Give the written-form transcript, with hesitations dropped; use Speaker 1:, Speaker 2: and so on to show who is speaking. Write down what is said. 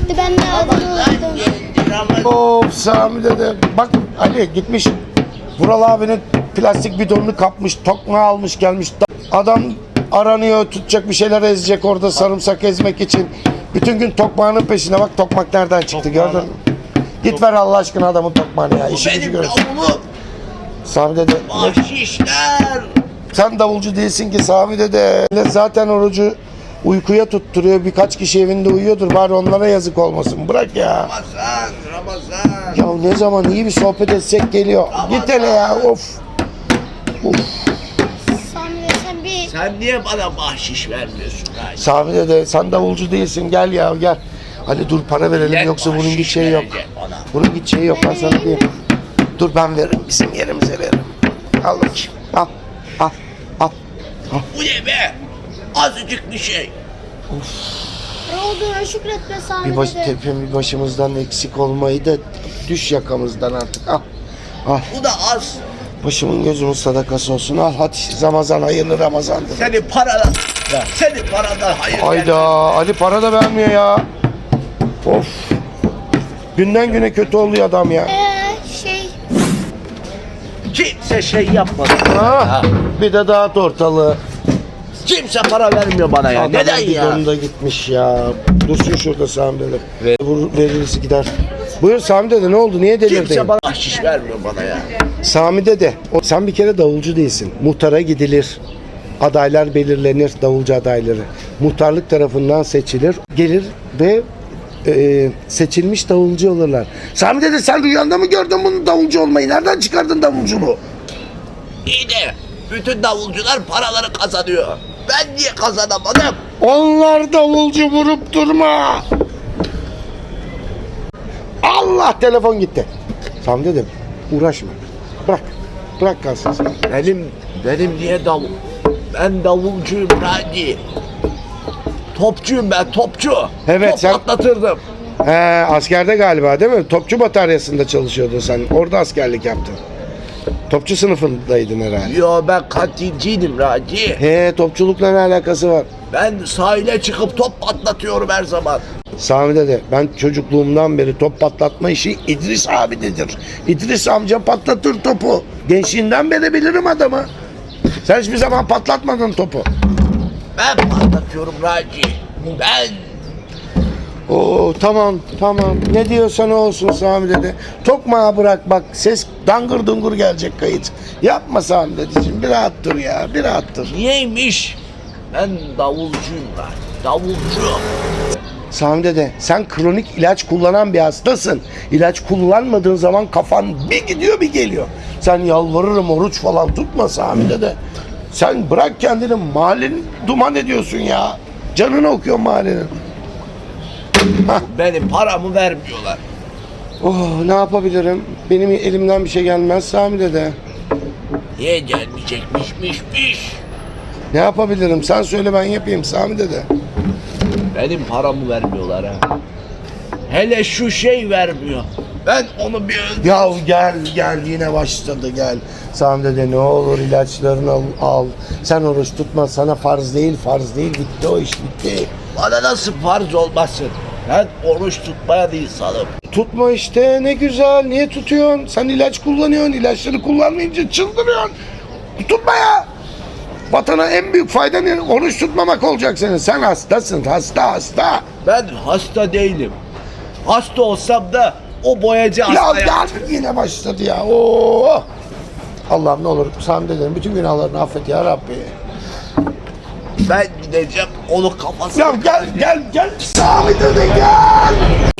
Speaker 1: geldi. Ben de adını unuttum.
Speaker 2: Of Sami dede. Bak Ali gitmiş. Vural abinin plastik bidonunu kapmış. Tokmağı almış gelmiş. Adam aranıyor, tutacak bir şeyler ezecek orada sarımsak ezmek için. Bütün gün tokmağının peşine. Bak tokmak nereden çıktı gördün mü? Git ver Allah aşkına adamın tokmağını ya. İşi gücü görsün. Sami dede.
Speaker 3: Bahşişler.
Speaker 2: Sen davulcu değilsin ki Sami dede. Zaten orucu uykuya tutturuyor. Birkaç kişi evinde uyuyordur. Bari onlara yazık olmasın. Bırak ya.
Speaker 3: Ramazan.
Speaker 2: Ya ne zaman iyi bir sohbet etsek geliyor. Git hele ya. Of.
Speaker 1: Sami sen bir...
Speaker 3: Sen niye bana bahşiş vermiyorsun?
Speaker 2: Sami dede sen davulcu değilsin. Gel ya gel. Ali dur para verelim
Speaker 3: Gel
Speaker 2: yoksa bunun
Speaker 3: bahşiş
Speaker 2: gideceği yok.
Speaker 3: verecek bana.
Speaker 2: Bunun gideceği yok ben sana diyeyim. Dur ben veririm. Bizim yerimize veririm. Al bakayım. Al. Al. Al.
Speaker 3: Bu ne be? Azıcık bir şey.
Speaker 1: Ne olduğuna şükretme Sami
Speaker 2: Bir baş,
Speaker 1: dede.
Speaker 2: bir başımızdan eksik olmayı da düş yakamızdan artık. Al. Al.
Speaker 3: Bu da az.
Speaker 2: Başımın gözümün sadakası olsun. Al hadi Ramazan hayırlı Ramazan'dır.
Speaker 3: Senin paradan. Senin paradan hayır.
Speaker 2: Hayda Ali para da vermiyor ya. Of. Günden güne kötü oluyor adam ya.
Speaker 3: Kimse şey yapmadı.
Speaker 2: Ha, bir de dağıt ortalığı.
Speaker 3: Kimse para vermiyor bana ya.
Speaker 2: Adamın
Speaker 3: Neden ya?
Speaker 2: bidonu da gitmiş ya. Dursun şurada Sami dede. Veririsi gider. Buyur Sami dede ne oldu? Niye delirdin?
Speaker 3: Kimse bana bahşiş vermiyor bana ya.
Speaker 2: Sami dede sen bir kere davulcu değilsin. Muhtara gidilir. Adaylar belirlenir, davulcu adayları. Muhtarlık tarafından seçilir. Gelir ve seçilmiş davulcu olurlar. Sami dede sen rüyanda mı gördün bunun davulcu olmayı? Nereden çıkardın davulculuğu?
Speaker 3: İyi de bütün davulcular paraları kazanıyor. Ben niye kazanamadım?
Speaker 2: Onlar davulcu vurup durma. Allah telefon gitti. Sami dedim uğraşma. Bırak. Bırak kalsın sen.
Speaker 3: Benim niye davul? Ben davulcuyum Raci. Topçuyum ben topçu.
Speaker 2: Evet,
Speaker 3: Top
Speaker 2: sen-
Speaker 3: patlatırdım.
Speaker 2: He, askerde galiba değil mi? Topçu bataryasında çalışıyordun sen. Orada askerlik yaptın. Topçu sınıfındaydın herhalde.
Speaker 3: Yo ben kantinciydim Raci.
Speaker 2: He, topçulukla ne alakası var?
Speaker 3: Ben sahile çıkıp top patlatıyorum her zaman.
Speaker 2: Sami dede ben çocukluğumdan beri top patlatma işi İdris abidedir. İdris amca patlatır topu. Gençliğinden beri bilirim adamı. Sen hiçbir zaman patlatmadın topu.
Speaker 3: Ben patlatıyorum Raci. Ben.
Speaker 2: Oo tamam ne diyorsan o olsun Sami dede. Tokmağı bırak bak ses dangır dungur gelecek kayıt. Yapma Sami dedeciğim bir rahat dur ya bir rahat dur.
Speaker 3: Niyeymiş? Ben davulcuyum Raci. Davulcu.
Speaker 2: Sami dede sen kronik ilaç kullanan bir hastasın. İlaç kullanmadığın zaman kafan bir gidiyor bir geliyor. Sen yalvarırım oruç falan tutma Sami dede. Sen bırak kendini mahallenin duman ediyorsun ya. Canını okuyor mahallenin.
Speaker 3: Benim paramı vermiyorlar.
Speaker 2: Oh ne yapabilirim? Benim elimden bir şey gelmez Sami dede.
Speaker 3: Niye gelmeyecekmişmiş?
Speaker 2: Ne yapabilirim? Sen söyle ben yapayım Sami dede.
Speaker 3: Benim paramı vermiyorlar ha. Hele şu şey vermiyor. Ben onu bir öldüreyim.
Speaker 2: Ya gel yine başladı gel. Sami dede ne olur ilaçlarını al. Sen oruç tutma sana farz değil bitti o iş bitti.
Speaker 3: Bana nasıl farz olmasın? Ben oruç tutmaya değil sanırım.
Speaker 2: Tutma işte ne güzel niye tutuyorsun? Sen ilaç kullanıyorsun ilaçları kullanmayınca çıldırıyorsun. Tutma ya. Vatana en büyük faydan oruç tutmamak olacak senin. Sen hastasın hasta.
Speaker 3: Ben hasta değilim. Hasta olsam da o boyacı
Speaker 2: Ya
Speaker 3: hasta
Speaker 2: gel yine başladı ya. Oo. Allah'ım ne olur Sami dedenin bütün günahlarını affet ya Rabbi.
Speaker 3: Ben gideceğim onu kafasına.
Speaker 2: Ya gel Sami dede gel.